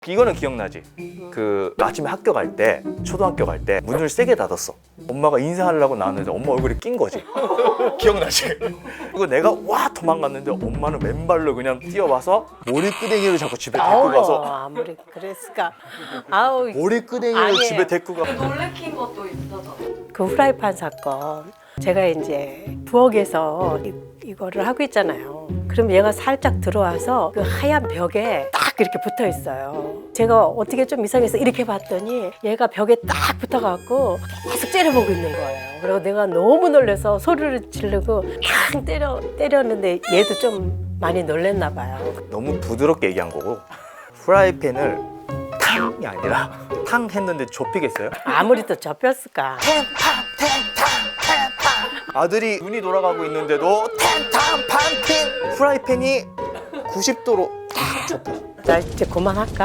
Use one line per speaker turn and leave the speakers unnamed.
이거는 기억나지? 그 아침에 학교 갈 때, 초등학교 갈 때 문을 세게 닫았어. 엄마가 인사하려고 나왔는데 엄마 얼굴에 낀 거지. 기억나지? 이거 내가 와 도망갔는데 엄마는 맨발로 그냥 뛰어와서 머리끄댕이를 자꾸 집에 데리고 가서
아무리 그랬을까. 아우
머리끄댕이를
아니에요.
집에 데리고 가.
놀래킨 것도 있어서.
그 후라이팬 사건. 제가 이제 부엌에서 이거를 하고 있잖아요. 그럼 얘가 살짝 들어와서 그 하얀 벽에 딱 이렇게 붙어 있어요. 제가 어떻게 좀 이상해서 이렇게 봤더니 얘가 벽에 딱 붙어갖고 계속 째려보고 있는 거예요. 그리고 내가 너무 놀라서 소리를 지르고 탕 때렸는데 얘도 좀 많이 놀랬나 봐요.
너무 부드럽게 얘기한 거고 후라이팬을 탕이 아니라 탕 했는데 좁히겠어요?
아무리 또 접혔을까.
아들이 눈이 돌아가고 있는데도 탕탕 판팅 후라이팬이 90도로 탁 좁혀.
나 이제 그만할까?